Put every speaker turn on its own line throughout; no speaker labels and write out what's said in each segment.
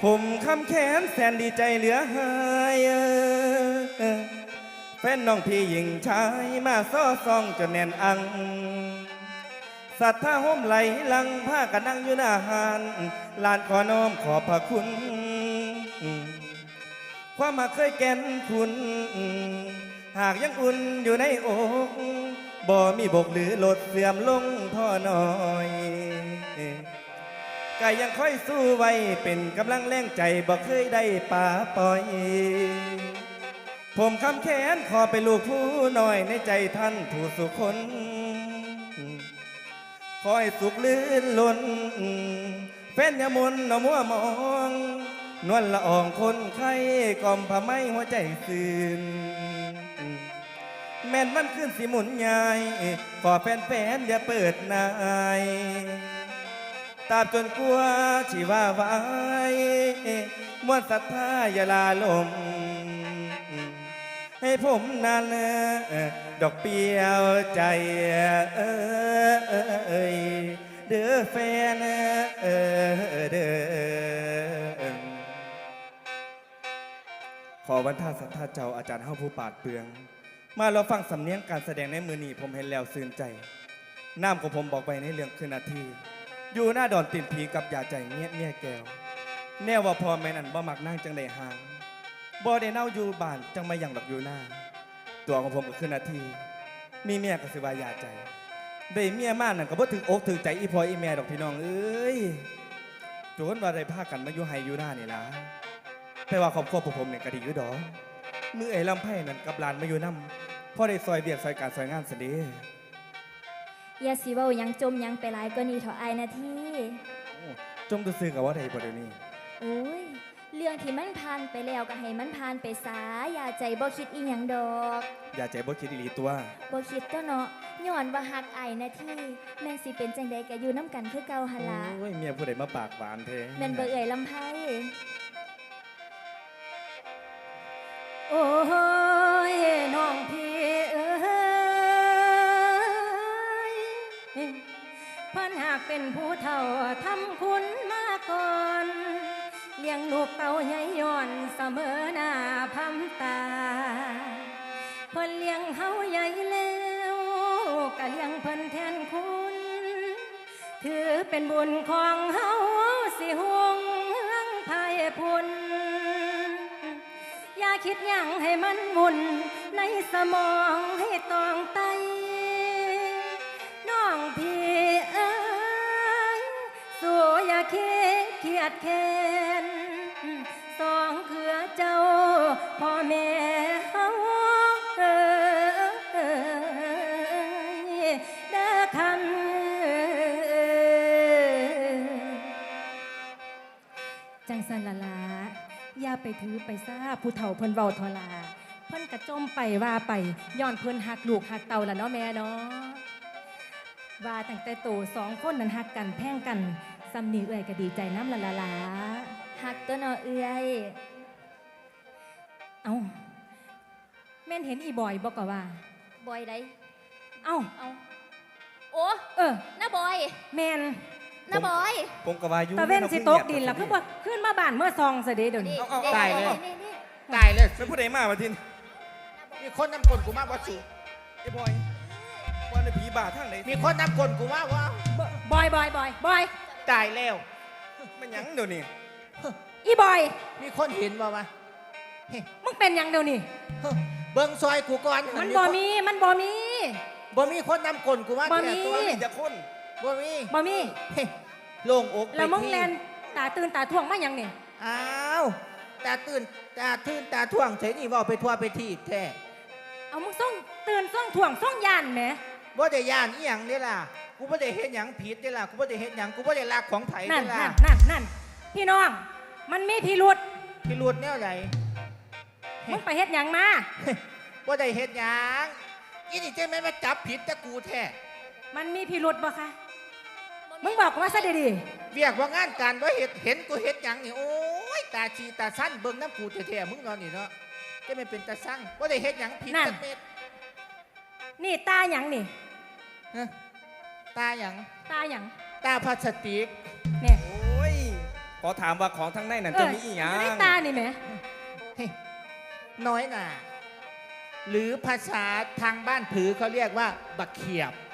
ผมคำแขนแสนดีใจเหลือหายแฟนน้องพี่หญิงชายมาซ้อซองจนแน่นอังศรัทธาห่มไหลลังผ้ากันนั่งอยู่หน้าหานลานขอน้อมขอบพระคุณความมาเคยแก่นคุณหากยังอุ่นอยู่ในอกบ่มีบกหรือลดเสื่อมลงพ่อน้อยกายยังค่อยสู้ไว้เป็นกำลังแรงใจบ่เคยได้ป่าปล่อยผมคำแขนขอไปลูกผู้น้อยในใจท่านผู้สุคนคอยสุขลื่นล้นแฟนยามนนมัวมองนวลละอองคนไข้กล่อมผ้าไหมหัวใจซื่นแม่นมันขึ้นสิหมุนใหญ่ขอแฟนอย่าเปิดนายตราบจนกลัวชีว่าไว้มวลศรัทธาอย่าลาลมให้ผมนั้นดอกเปียวใจเด้อแฟนเด้อขอวันท่าสัทธาเจ้าอาจารย์เฮาผู้ปาดเปลืองมาเราฟังสำเนียงการแสดงในมือนี้ผมเห็นแล้วซื่นใจน้ำของผมบอกไปในเรื่องคืนนาทีอยู่หน้าดอนตินผีกับยาใจเมียแก้วแน่ว่าพอแม่นั่นบ่มักนั่งจังได้ห่างบ่ได้เน่าอยู่บ้านจังมาอย่างดอกอยู่หน้าตัวของผมก็คือนาทีมีเมียก็สิว่ายาใจได้เมียมากนั่นก็บ่ถึงอกถึงใจอีพออีแม่ดอกพี่น้องเอ้ยโจนว่าได้พากันมาอยู่ไฮอยู่หน้านี่ล่ะแต่ว่าครอบครัวผมเนี่ยก็ดีอยู่ดอกมือไอ้ลำไผ่นั่นกับหลานมาอยู่นำพอได้ซอยเบียกซอยการซอยงานซะเด้
อย่าสิเว้ายังจมยังไปหลายก็นี่เถาะอายนาที
จมตัวซื้อกับว่าใดบ่เดี๋ยวนี้
โอ้ยเรื่องที่มันผ่านไปแล้วก็ให้มันผ่านไปซะอย่าใจบ่คิดอีหยังดอก
อย่าใจบ่คิดอีหลีตัว
บ่คิดตัวเนาะย้อนว่าฮักอายนาทีแม่นสิเป็นจังใดก็อยู่น้ำกันคือเก่าหั่นล่ะ
โอ้ยเมียผู้ใดมาปากหวานแท้
แม่นบ่เอ่ยลำไผโอ้ยน้องพี่เอ้ยเพิ่นหากเป็นผู้เฒ่าทำคุณมาก่อนเลี้ยงลูกเต่าใหญ่ย้อนเสมอหน้าพำตาเพิ่นเลี้ยงเฮาใหญ่แล้วก็เลี้ยงเพิ่นแทนคุณถือเป็นบุญของเฮาสิห่วงเฮืองไผ่พุ่นอย่าคิดหยังให้มันวุ่นในสมองให้ตองไตน้องพี่เอ้ยสู้อย่าคิดเกียดแค้นสองเคือเจ้าพ่อแม่เฮาเด้อคำจังสันละลาอย่าไปถือไปซาผู้เฒ่าเพิ่นเว้าทลาเพิ่นกระจมไปว่าไปย้อนเพิ่นหักลูกหักเต่าละเนาะแม่เนาะว่าตั้งแต่โตสองคนนั้นหักกันแพ่งกันซ้ำนี้เอื้อยก็ดีใจน้ำละละลาหักตัวเนาะเอื้อยเอ้าแม่นเห็นอีบอยบอกว่าบอยได้เอ้าโอ้น้าบอยแม่นน้าบอย
ผมก็ว่าอยู่
ตะเว้นสิตกดินแล้วคือบ่ขึ้นมาบ้านเมื่อซองซะเด้เดี๋ยวนี้
ตายเลยตายเลย
เป็นผู้ใดมาทิน
มีคนนำกลกูมาบ่สู
ไอ้บอยวันในผีบาทางไหน
มีคนนำกลกูมาว่า
บอย
ตายแล้ว
มันยังเดี๋ยวนี้
อีบอย
มีคนเห็นบ่วะ
มึงเป็นยังเดี๋ยวนี้
เบิ่งซอยกูก่อน
มันบ่มี
คนนำกลกูมา
บ่มี
จะคน
บ่มีโล่งอก
แล้วมึงแลนตาตื่นตาท่วงมายังนี่
อ้าวตาตื่นตาท่วงเฉยนี่ว่าไปทั่วไปที่แท้
เอามึงส่งตื่นส่งท่วงส่งยานแหม
บ่ได้ย่านอีหยังเด้ล่ะกูบ่ได้เฮ็ดหยังผิดเด้ล่ะกูบ่ได้เฮ็ดหยังกูบ่ได้ลักของไผเด้ล่ะ
นั่นพี่น้องมันมีพิรุธ
แนวใด
มึงไปเฮ็ดหยังมา
บ่ได้เฮ็ดหยังอีนี่จะไม่มาจับผิดแต่กูแท้
มันมีพิรุธบ่คะมึงบอกว่าซะดี
ๆเรียกว่างานการบ่เห็นกูเฮ็ดหยังนี่โอ้ยตาชีตาสั้นเบิ่งน้ำกูแท้ๆมึงนอนนี่เนาะจะไม่เป็นตาสั่งบ่ได้เฮ็ดหยังผิดจักเม็ด
นี่ตาหยังนี่
ตาหยัง
ตาหยัง
ตาพลาสติก
เนี่ย
โอ้ยขอถามว่าของทั้งในนั้นจะมีอีหยั
อยู่ใน
ง
ตานี่แหม
เฮ้ยน้อยหน่าหรือภาษาทางบ้านผือเขาเรียกว่าบักเขียบ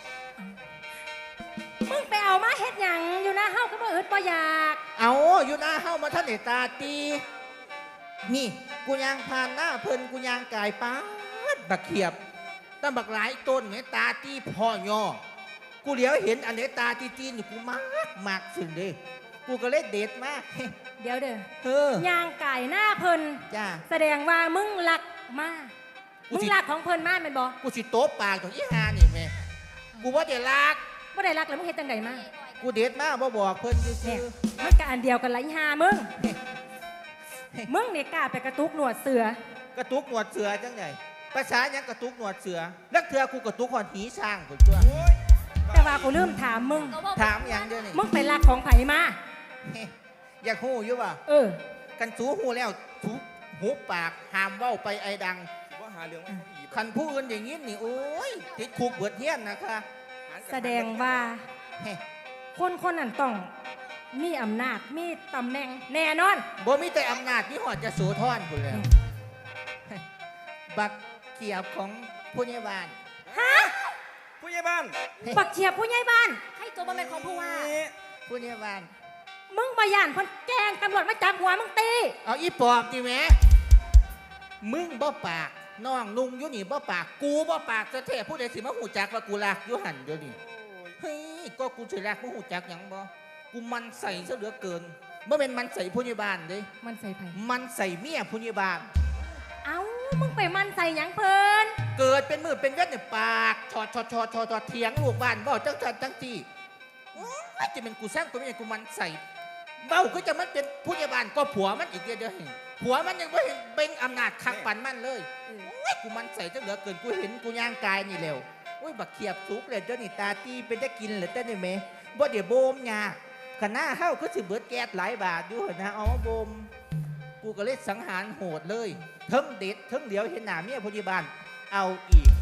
มึงไปเอามาเฮ็ดหยังอยู่หน้าเฮาก็บ่อึดบ่อยาก
เอาอยู่หน้าเฮ้ามาท่านเนตาตีนี่กูยางผ่านหน้าเพิ่นกูยางกายป้าดบักเขียบตั้งบักหลายต้นเนี่ยตาตีพ่อย่อกูเหลียวเห็นอันเนตาตีจีนอยู่กูมากสุดเลยกูก็เลยเด็ดมาก
เดี๋ยวเด้อ
เออย่าง
ไก่หน้าเพิ่น
จ้า
แสดงว่ามึงรักมา
กู
มึง
สิ
รักของเพิ่นมาแม่นบ่
กูสิโต๊ะปากของอีหานี่แม่กูว่าเดี๋ยวลาก
บ่ได้รักแล้วมึงเฮ็ดจังไดมา
กูเด็ดมากบ่บอกเพิ่น
เนี่
ซื่
ย
อ
มันก็อันเดียวกันละอีห่ามึง มึงนี่กล้าไปกระตุกหนวดเสือ
ๆกระตุกหนวดเสือจังไงภาษาหยังกระตุกหนวดเสือลักเถือกูกระตุกหอนหีช้างพุ่นตัว
แต่ว่ากูลืมถามมึง
ถามหยังเดี๋ยวนี้
มึงไปรักของไผมา
อยากหูอยู่ป่ะ
เออ
กันสูหูแล้วสูหูปากห้ามเว้าไปไอ้ดัง
ว่าหาเรื่องไม่เขาอีก
คันผู้อื่นอย่างนี้นี่โอ้ยติดคุกเบิดเฮียนนะคะ
แสดงว่า
เฮ้
คนคนนั้นต้องมีอำนาจมีตำแหน่งแน่นอน
บ่มีแต่อำนาจที่หอดจะโสธรพุ่นแล้วบักเขียบของผู้ใหญ่บ้าน
ฮะ
ผู้ใหญ่บ้าน
ปักเฉียบผู้ใหญ่บ้านให้ตัวบ่แม่นของผู้ว่า
ผู้ใหญ่บ้าน
มึงบ่ย่านเพิ่นแกล้งตำรวจมาจับหัวมึงตี
เอาอีปอบดิแหม่มึงบ่ปากน้องนุ่งอยู่นี่บ่ปากกูบ่ปากจะเทผู้ใดสิมาหูจักว่ากูรักอยู่หันเดี๋ยวนี้เฮ้ยก็กูสิรักมึงหูจักหยังบ่กูมันใส่ซะเหลือเกินบ่แม่นมันใส่ผู้ใหญ่บ้านเด้
มันใส่ไผ
มันใส่เมียผู้ใหญ่บ้าน
เอ้ามึงไปมันใส่หยังเพิ่น
เกิดเป็นมือเป็นเวทเนี่ยปากชอเถียงลูกบ้านบ่จังจี้โอ้ยจะเป็นกูสร้างกูไม่ใช่กูมันใส่เบ้าก็จะมันเป็นผู้ใหญ่บ้านก็ผัวมันอีกเดียวเห็นผัวมันยังไม่เห็นเบ่งอำนาจคักปันมันเลยโอ้ยกูมันใส่จะเหลือเกินกูเห็นกูย่างกายนี่เร็วโอ้ยบักเขียบสุกเลยเจ้านี่ตาตีเป็นจะกินเลยเจ้านี่เมบ่เดี๋ยวโบมยาขณะเฮาก็สิเบิดแก๊สหลายบาทอยู่นะเอามาโบมกูก็เลยสังหารโหดเลยเทิงเด็ดเทิงเหลียวเห็นหน้าเมียผู้ใหญ่บ้านเอาอีก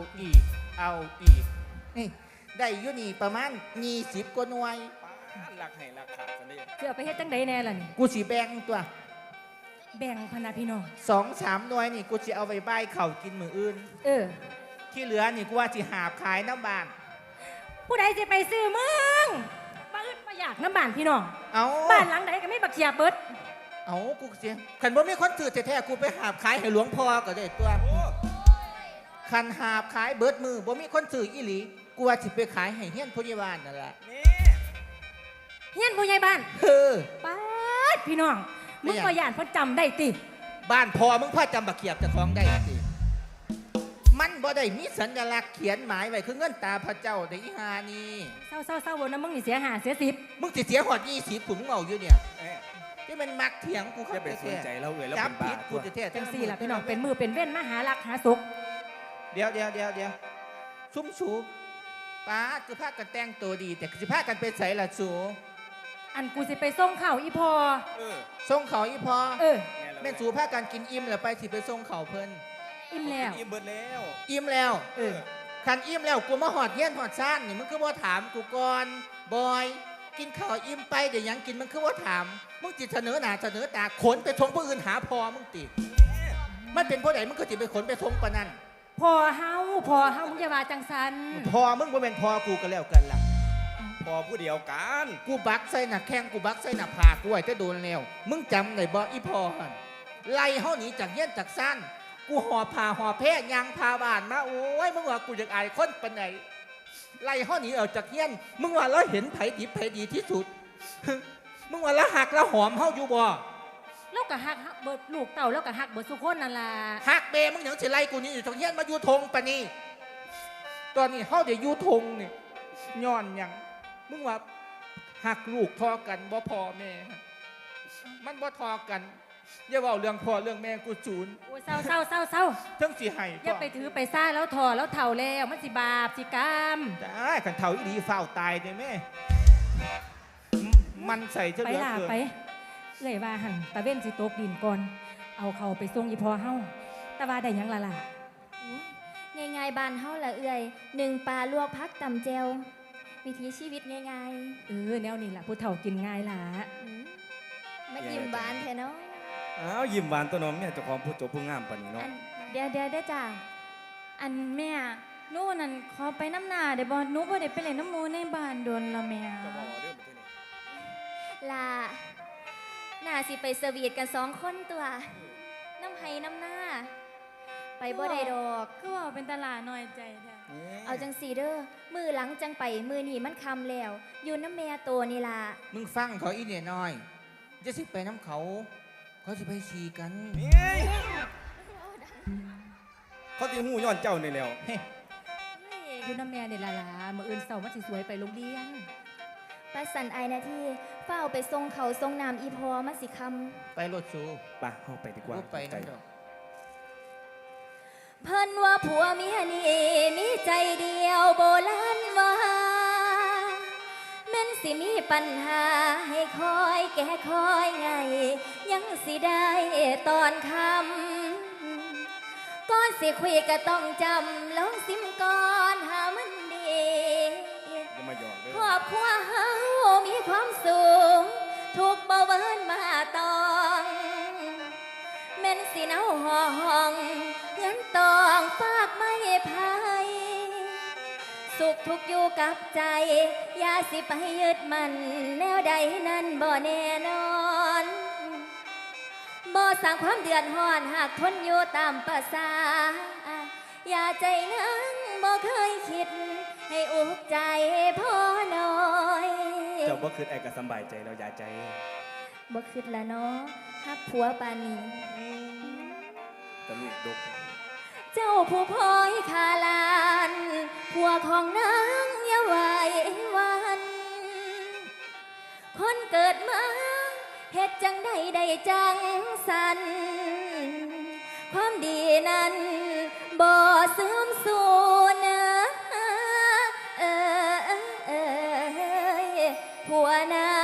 นี่ได้อยู่นี่ประมาณ20กว่าหน่วย
ป้าหลักให้หลักขาดซะเลย
สิเอาไปเฮ็ดจังไดแน่ล่ะนี่
กูสิแบ่งตัว
แบ่งพนาพี่น้อง
2-3หน่วยนี่กูสิเอาไปใบายเข่าวกินมืออื่น
เออ
ที่เหลือนี่กูว่าสิหาบขายน้ำบ้าน
ผู้ใดสิไปซื้อมึงบ่อึดบ่อยากน้ำบ้านพี่น้อง
เอา
บ้านหลังใดก็มีบักเขียบเบิด
เอากูเสียขันบ่มีคนถือแท้ๆกูไปหาบขายให้หลวงพ่อก็ได้ตัว
โอ้
คันหาบขายเบิดมือบ่มีคนถืออีหลีกูว่าสิไปขายให้เฮียนผู้ใหญ่บ้านนั่นแหละ
นี่
เฮียนผู้ใหญ่บ้าน
เออ
ป๊าดพี่น้องมึงบ่ย่านเพิ่นจำได้ติ
บ้านพ่อมึงพ่อจำบักเขียบเจะคล้าของได้สิมันบ่ได้มีสัญลักษณ์เขียนหมายไว้คือเงินตาพระเจ้าได้อีหานี่
เศร้าๆบ่นะมึงนี่เสียหาเสีย10
มึงสิเสียหอด20ผุนมึงเอาอยู่เนี่ย
เอ๊ะ
ที่มันมักเถียงกู
อ
เขา
ย่าไปสนใจเราเอ่ยเรา
จั
เป็
บ
น
ผิ
บ้า
ดกู
ตัว
แท้ๆ
จังซี่ล่ะพี่น้องเป็นมือเป็นเว้นมาหารักหาสุข
เดี๋ยวซุ้มสูป้าคือพากันแต่งตัวดี แต่สิพากันไปใส่ละสู
อันกูสิไปส่งข้าวอีพอ
เออ
ส่งเขาอีพอ
เออ
แม่สูพากันกินอิ่มแล้วไปสิไปส่งเขาเพิ่น
อิ่มแล้ว
อิ่มเบิดแล้ว
อิ่มแล้ว
เออ
คันอิ่มแล้วกูมาหอดเงี้ยนหอดซ่านนี่มึงคือว่าถามกูก่อนบอยกินข้าวอิ่มไปเดี๋ยวยังกินมึงคือว่าถามมึงจิตเสนอหน้าเสนอตาขนไปทงผู้อื่นหาพอมึงติดมันเป็นผู้ใดมึงก็จิไปขนไปทงปะนั่น
พอเฮามึงอย่าว่าจังสัน
พอมึงบ่เป็นพอกูก็แล้วกันล่ะ
พอผู้เดียวกัน
กูบักใส่หน้าแข้งกูบักใส่หน้าผากกูไอ้จะโดนแล้วมึงจำได้บ่อีพอหันไล่เฮาหนีจากเงี้ยนจากซ่านกูหอบผ้าหอบแพร่ยางพาบ้านมาโอ้ยมึงว่ากูอยากอายคนปานไหนไล่เฮาหนีออกจากเงี้ยนมึงว่าเราเห็นไผดิบไผดีที่สุด มึงว่าละหักละหอมเฮาอยู่บ่
แล้วก็ฮักเบิดลูกเต่าแล้วก็ฮักเบิดสุคนนั่นล่ะ
หักเบมึงหยังสิไล่กูนี่อยู่จากเงี้ยนมาอยู่ทงปะนี่ตอนนี้เฮาได้อยู่ทงนี่ย้อนหยังมึงว่าหักลูกทอกันบ่พอแม่มันบ่ทอกันอย่าเว้าเรื่องพ่อเรื่องแม่กูจูน
โอ้ยเศร้า
ทั้งสิให้
อย่าไปถือไปซ่าแล้วถอแล้วเถ่าแล้วมันสิบาปสิกรรม
ได้ขันเท่าอีดีฝ้าวตายเด้แม่มันใส่เท่า
ไป
เหลือ
ล่ะ
เกิน
ไปเลยว่าหันตะเว้นสิตกดินก่อน เอาเขาไปส่งอีพอเฮาแต่ว่าได้หยังล่ะล่ะ
ง่ายๆบ้านเฮาละเอื่อยหนึ่งปลาลวกพักตำแจววิถีชีวิตง่าย
แนวนี้ล่ะผู้เฒ่ากินง่ายล่ะ
ๆยิ้มหวานแท้เนาะ
อ้าวยิ้มหวานตัวน้องเนี่ยเจ้าของผู้จบผู้งามปานนี้
อั
เนาะ
นเดี๋ยวได้อจ้าอันแม่หนู่นนั่นขอไปน้ำหนาเดี๋ยวบอหนูบ่ได้ไปเล่นน้ำหมูในบ้านโดนละแม่ ลาน่าสิไปสวีทกัน2 คนตัว น้ำไห้น้ำหน้า ไปบ่ได้ดอก
ก็ว่าเป็นตลาดน้อยใจแท้
เอาจังสีเด้อมือหลังจังไปมือนี่มันคำแล้ว อยู่น้ำแม่โตนี่ล่ะ
มึงฟังเขาอีเนี่ยน้อยจะสิไปน้ำเขาเขาสิไปขี่กัน
เขาตีหูย้อนเจ้านี่แล้ว
อยู่น้ำแม่เนี่ยล่ะมื้ออื่นเช้ามันสิสวยไปโรงเรียน
ปัสสันไอนาที่เฝ้าไปทรงเขาทรงน้ำอีพอมาสิค
ไปรถสู
ไปเข้าไปดีกว่า
รูปไปนั่นดอก
ำเพิ่นว่าผัวเมียนี่มีใจเดียวโบราณว่าแม่นสิมีปัญหาให้คอยแก้คอยไง ยังสิได้ตอนคำก่อนสิคุยก็ต้องจำลองซิมก่อนหามันดี
อย่ามาหยอกเด้อ
ครอบครัวเฮามีความสุขถูกบ่เวินมาตองแม่นสิเนาห่อห้องเงินตองฝากไม่พายสุขทุกข์อยู่กับใจ อย่าสิไปยึดมันแนวใดนั้นบ่แน่นอนบ่สร้างความเดือดร้อนหากทนอยู่ตามประสา อย่าใจนังบ่เคยคิด ให้อุกใจพ่อน้อย
เจ้าบ่คือไอ้ก็สำบายใจแล้วอย่าใจ
บ่คิดละเนาะฮักผัวปานนี้
ตะลุกดก
เจ้าผู้พลอยคาลานผัวของนางอย่าไหววัน คนเกิดมาเฮ็ดจังใดได้จังสัน ความดีนั้นบ่เสื่อมสูญผัวนาง